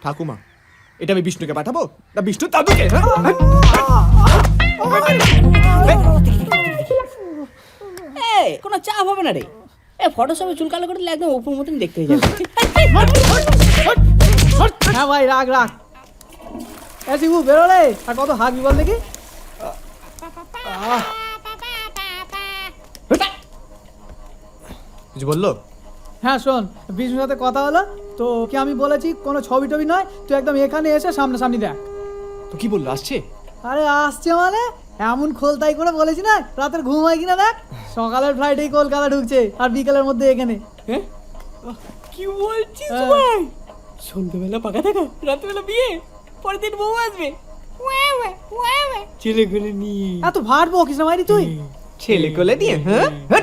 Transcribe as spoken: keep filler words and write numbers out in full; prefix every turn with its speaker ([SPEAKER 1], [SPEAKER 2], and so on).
[SPEAKER 1] ঠাকুমা, এটা আমি বিষ্ণুকে পাঠাবো না বিষ্ণু দাদুকে?
[SPEAKER 2] এই কোনো চাপ হবে না রে, এ ফটো সবে চুল কালো করে দিলে একদম উপর মতন দেখতে হয়ে যাবে।
[SPEAKER 3] হ্যাঁ ভাই রাখ রাখ। এ শিবু বেরো রে, আর কত হাগবি বল দেখি।
[SPEAKER 1] কিছু বললো?
[SPEAKER 3] হ্যাঁ শোন, বিষ্ণুর সাথে কথা হলো তো, কি আমি বলেছি কোনো ছবি টবি নয়, তুই একদম এখানে এসে সামনাসামনি দেখ।
[SPEAKER 1] তো কি বললো, আসছে?
[SPEAKER 3] আরে আসছে মানে এমন খোলতাই করে বলেছি না, রাতের ঘুম হয় কিনা দেখ। সকালের ফ্লাইটেই কলকাতা ঢুকছে আর বিকেলের মধ্যে এখানে।
[SPEAKER 2] হ্যাঁ কি বলছিস
[SPEAKER 3] হ্যাঁ।
[SPEAKER 2] ভাই? সন্ধ্যেবেলা পাকা থাকা, রাত্রেবেলা বিয়ে, পরের দিন বউ আসবে, ছেলে করে নিয়ে।
[SPEAKER 3] এত ভাট বকিস না মাইরি তুই।
[SPEAKER 1] ছেলে কোলে নিয়ে? হ্যাঁ